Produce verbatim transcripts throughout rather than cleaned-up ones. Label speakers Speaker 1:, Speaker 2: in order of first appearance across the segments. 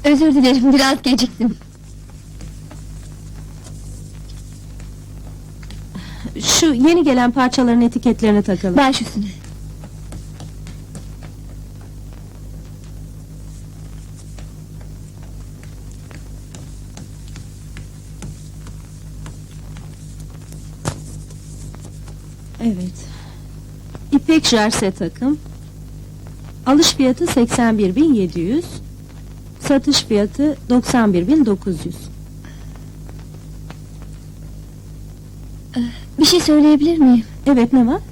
Speaker 1: Özür dilerim, biraz geciktim.
Speaker 2: Şu yeni gelen parçaların etiketlerini takalım.
Speaker 1: Baş üstüne.
Speaker 2: Evet. İpek jerse takım. Alış fiyatı seksen bir bin yedi yüz. Satış fiyatı doksan bir bin dokuz yüz.
Speaker 1: Bir şey söyleyebilir miyim?
Speaker 2: Evet, ne var?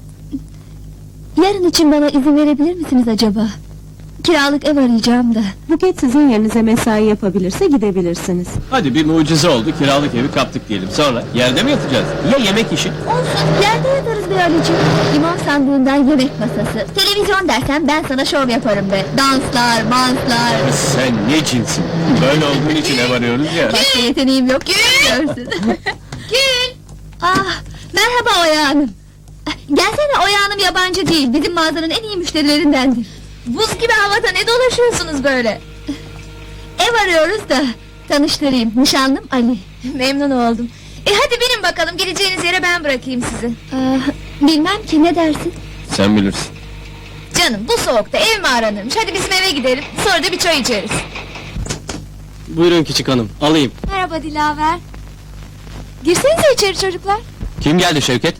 Speaker 1: Yarın için bana izin verebilir misiniz acaba? Kiralık ev arayacağım da.
Speaker 2: Buket sizin yerinize mesai yapabilirse gidebilirsiniz.
Speaker 3: Hadi bir mucize oldu, kiralık evi kaptık diyelim. Sonra yerde mi yatacağız? Ya yemek işi?
Speaker 1: Olsun, yerde yatarız be Ali'ciğim. İmam sandığından yemek masası. Televizyon dersen ben sana şov yaparım be. Danslar, manslar.
Speaker 3: Sen ne cinsin? Böyle olduğun için ev arıyoruz ya.
Speaker 1: Başka yeteneğim yok, görüyorsun. Gül! Ah, merhaba Oya Hanım. Gelsene, Oya Hanım yabancı değil, bizim mağazanın en iyi müşterilerindendir. Buz gibi havada ne dolaşıyorsunuz böyle? Ev arıyoruz da, tanıştırayım, nişanlım Ali.
Speaker 4: Memnun oldum. E hadi binin bakalım, gideceğiniz yere ben bırakayım sizi.
Speaker 1: Ah, bilmem ki, ne dersin?
Speaker 3: Sen bilirsin.
Speaker 4: Canım, bu soğukta ev mi aranırmış? Hadi bizim eve gidelim, sonra da bir çay içeriz.
Speaker 3: Buyurun küçük hanım, alayım.
Speaker 4: Merhaba Dilaver. Girsenize içeri çocuklar.
Speaker 3: Kim geldi Şevket?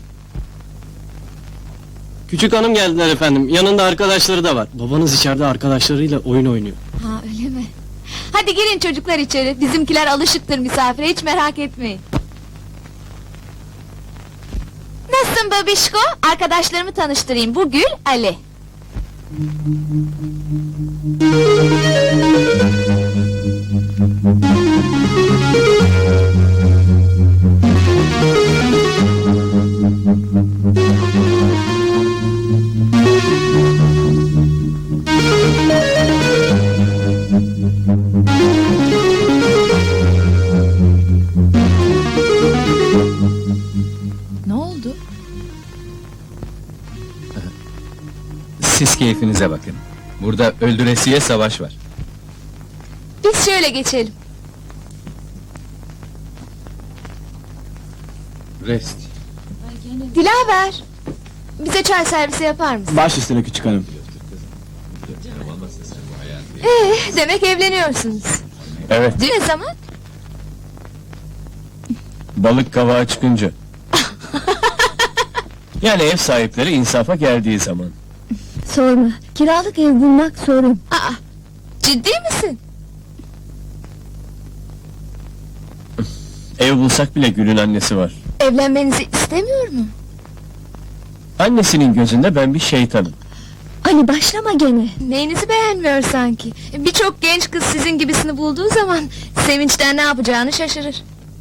Speaker 3: Küçük hanım geldiler efendim, yanında arkadaşları da var. Babanız içeride arkadaşlarıyla oyun oynuyor.
Speaker 4: Ha, öyle mi? Hadi girin çocuklar içeri, bizimkiler alışıktır misafire, hiç merak etmeyin. Nasılsın babişko? Arkadaşlarımı tanıştırayım, bu Gül, Ali. Ne oldu?
Speaker 5: Siz keyfinize bakın. Burada öldüresiye savaş var.
Speaker 4: Biz şöyle geçelim.
Speaker 5: Rest.
Speaker 4: Dilaver! Bize çay servisi yapar mısın?
Speaker 3: Baş üstüne küçük hanım.
Speaker 4: Ee, demek evleniyorsunuz.
Speaker 3: Evet,
Speaker 4: Ne zaman?
Speaker 3: balık kavağa çıkınca. Yani ev sahipleri insafa geldiği zaman.
Speaker 1: Sorma, kiralık ev bulmak sorun.
Speaker 4: Aa, ciddi misin?
Speaker 3: Ev bulsak bile Gül'ün annesi var.
Speaker 4: Evlenmenizi istemiyor mu?
Speaker 3: Annesinin gözünde ben bir şeytanım.
Speaker 1: Ali başlama gene.
Speaker 4: Neyinizi beğenmiyor sanki? Birçok genç kız sizin gibisini bulduğu zaman sevinçten ne yapacağını şaşırır.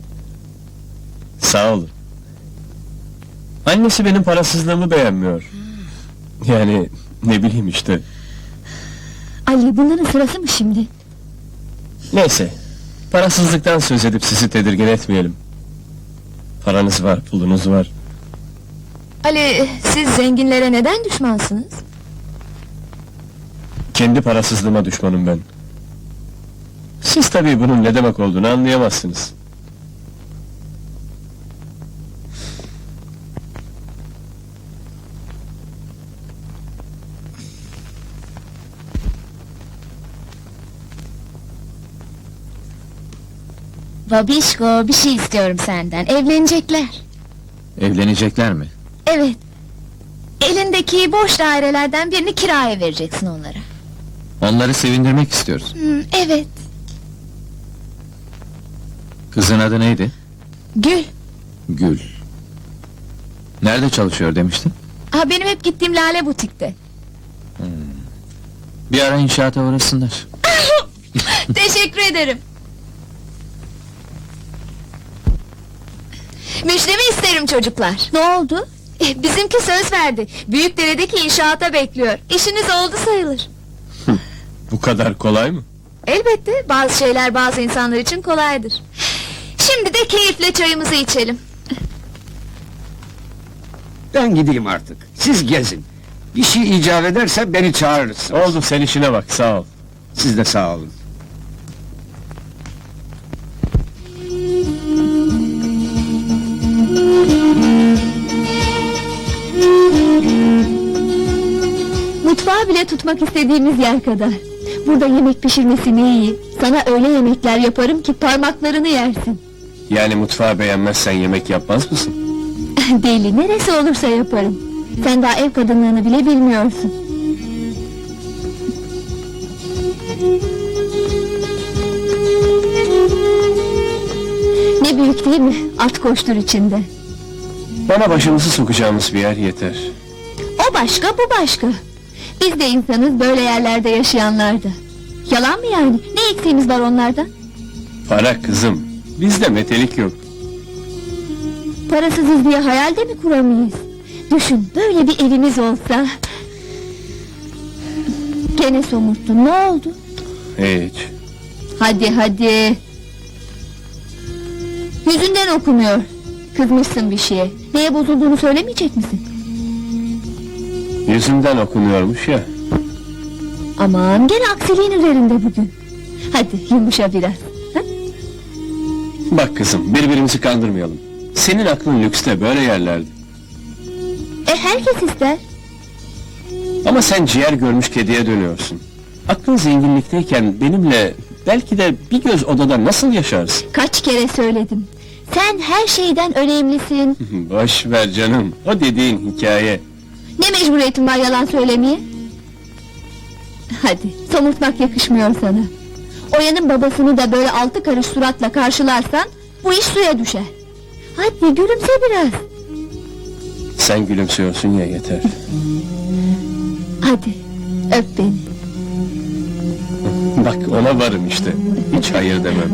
Speaker 3: Sağ olun. Annesi benim parasızlığımı beğenmiyor. Yani ne bileyim işte.
Speaker 1: Ali, bunların sırası mı şimdi?
Speaker 3: Neyse, parasızlıktan söz edip sizi tedirgin etmeyelim. Paranız var, pulunuz var.
Speaker 4: Ali, siz zenginlere neden düşmansınız?
Speaker 3: Kendi parasızlığıma düşmanım ben. Siz tabii bunun ne demek olduğunu anlayamazsınız.
Speaker 4: Babişko, bir şey istiyorum senden. Evlenecekler.
Speaker 5: Evlenecekler mi?
Speaker 4: Evet. Elindeki boş dairelerden birini kiraya vereceksin onlara.
Speaker 5: Onları sevindirmek istiyoruz.
Speaker 4: Hmm, evet.
Speaker 5: Kızın adı neydi?
Speaker 4: Gül.
Speaker 5: Gül. Nerede çalışıyor demiştin?
Speaker 4: Ha, benim hep gittiğim Lale butikte.
Speaker 5: Bir ara inşaata uğrasınlar.
Speaker 4: Teşekkür ederim. Müjdemi isterim çocuklar.
Speaker 1: Ne oldu?
Speaker 4: Eh, Bizimki söz verdi. Büyükdere'deki inşaata bekliyor. İşiniz oldu sayılır.
Speaker 3: Bu kadar kolay mı?
Speaker 4: Elbette bazı şeyler bazı insanlar için kolaydır. Şimdi de keyifle çayımızı içelim.
Speaker 6: Ben gideyim artık. Siz gezin. Bir şey icap ederse beni çağırırsınız.
Speaker 3: Oldu, sen işine bak, sağ ol.
Speaker 6: Siz de sağ olun.
Speaker 1: balığa bile tutmak istediğimiz yer kadar. Burada yemek pişirmesi ne iyi. Sana öyle yemekler yaparım ki parmaklarını yersin.
Speaker 3: Yani mutfağı beğenmezsen yemek yapmaz mısın?
Speaker 1: Deli, neresi olursa yaparım. Sen daha ev kadınlığını bile bilmiyorsun. Ne büyük değil mi? At koştur içinde.
Speaker 3: Bana başımızı sokacağımız bir yer yeter.
Speaker 1: O başka, bu başka. Biz de insanız, böyle yerlerde yaşayanlar da. Yalan mı yani? Ne eksiğimiz var onlardan?
Speaker 3: Para kızım, bizde metelik yok.
Speaker 1: Parasızız diye hayal de mi kuramayız? Düşün, böyle bir evimiz olsa... Gene somurttun, ne oldu?
Speaker 3: Hiç.
Speaker 1: Hadi hadi. Yüzünden okumuyor. Kızmışsın bir şeye. Neye bozulduğunu söylemeyecek misin?
Speaker 3: Yüzümden okunuyormuş ya.
Speaker 1: Aman, gene aksiliğin üzerinde bugün. Hadi yumuşa biraz. Ha?
Speaker 3: Bak kızım, birbirimizi kandırmayalım. Senin aklın lükste, böyle yerlerde.
Speaker 1: E herkes ister.
Speaker 3: Ama sen ciğer görmüş kediye dönüyorsun. Aklın zenginlikteyken benimle belki de bir göz odada nasıl yaşarsın?
Speaker 1: Kaç kere söyledim. Sen her şeyden önemlisin.
Speaker 3: Boş ver canım, o dediğin hikaye.
Speaker 1: Ne mecburiyetin var yalan söylemeye? Hadi, somurtmak yakışmıyor sana. Oya'nın babasını da böyle altı karış suratla karşılarsan... ...bu iş suya düşer. Hadi gülümse biraz.
Speaker 3: Sen gülümsüyorsun ya, yeter.
Speaker 1: Hadi, öp beni.
Speaker 3: Bak ona varım işte, hiç hayır demem.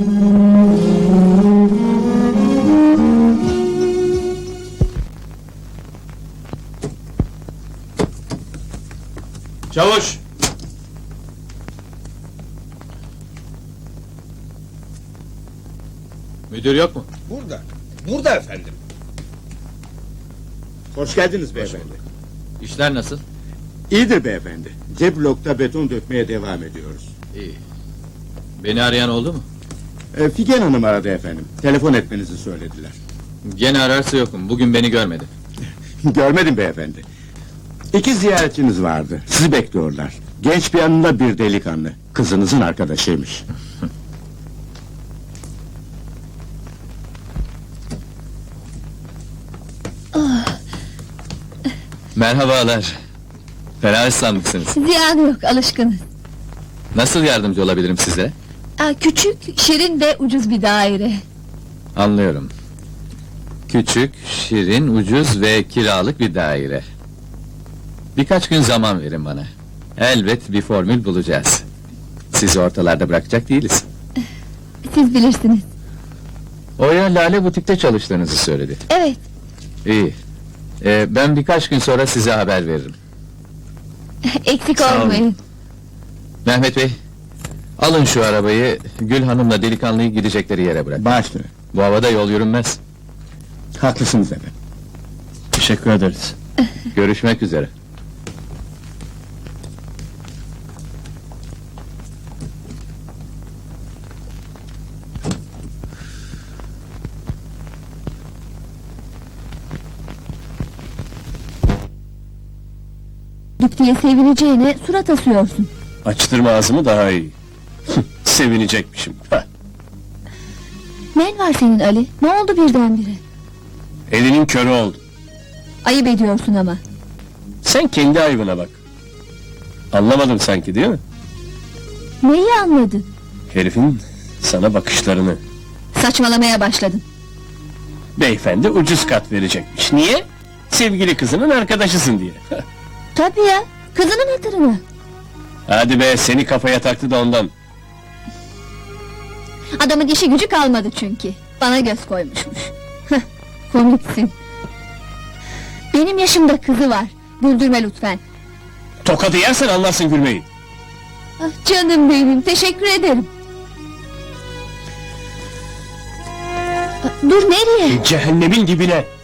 Speaker 7: Çavuş! Müdür yok mu?
Speaker 8: Burada. Burada efendim. Hoş geldiniz beyefendi.
Speaker 7: İşler nasıl?
Speaker 8: İyidir beyefendi. C blokta beton dökmeye devam ediyoruz.
Speaker 7: İyi. Beni arayan oldu mu?
Speaker 8: E, Figen Hanım aradı efendim. Telefon etmenizi söylediler.
Speaker 7: Gene ararsa yokum. Bugün beni görmedi.
Speaker 8: Görmedim beyefendi. İki ziyaretçiniz vardı. Sizi bekliyorlar. Genç bir yanında bir delikanlı. Kızınızın arkadaşıymış.
Speaker 5: Merhabalar. Fena ıslanmışsınız.
Speaker 1: Ziyanı yok, alışkınız.
Speaker 5: Nasıl yardımcı olabilirim size?
Speaker 1: Aa, küçük, şirin ve ucuz bir daire.
Speaker 5: Anlıyorum. Küçük, şirin, ucuz ve kiralık bir daire. Birkaç gün zaman verin bana. Elbet bir formül bulacağız. Sizi ortalarda bırakacak değiliz.
Speaker 1: Siz bilirsiniz.
Speaker 5: Oya Lale Butik'te çalıştığınızı söyledi.
Speaker 1: Evet,
Speaker 5: İyi. Ee, ben birkaç gün sonra size haber veririm.
Speaker 1: eksik
Speaker 5: Sağ olun.
Speaker 1: olmayın.
Speaker 5: Mehmet Bey, alın şu arabayı, Gül Hanım'la delikanlıyı gidecekleri yere bırakın.
Speaker 8: Başla.
Speaker 5: Bu havada yol yürünmez.
Speaker 8: Haklısınız efendim.
Speaker 3: Teşekkür ederiz.
Speaker 5: Görüşmek üzere.
Speaker 1: Dük diye sevineceğine surat asıyorsun.
Speaker 3: Açtırma ağzımı daha iyi. Sevinecekmişim. Hah.
Speaker 1: Ne var senin Ali? Ne oldu birdenbire?
Speaker 3: Elinin körü oldu.
Speaker 1: Ayıp ediyorsun ama.
Speaker 3: Sen kendi ayıbına bak. Anlamadım sanki, değil mi?
Speaker 1: Neyi anladın?
Speaker 3: Herifin sana bakışlarını.
Speaker 1: Saçmalamaya başladın.
Speaker 3: Beyefendi ucuz kat verecekmiş. Niye? Sevgili kızının arkadaşısın diye.
Speaker 1: Tabii ya, kızının hatırına.
Speaker 3: Hadi be, seni kafaya taktı da ondan.
Speaker 1: Adamın işi gücü kalmadı çünkü. Bana göz koymuşmuş. Heh, komiksin. Benim yaşımda kızı var. Güldürme lütfen.
Speaker 3: Tokadı yersen anlarsın gülmeyi.
Speaker 1: Ah, canım benim, teşekkür ederim. Ah, dur nereye?
Speaker 3: Cehennemin dibine.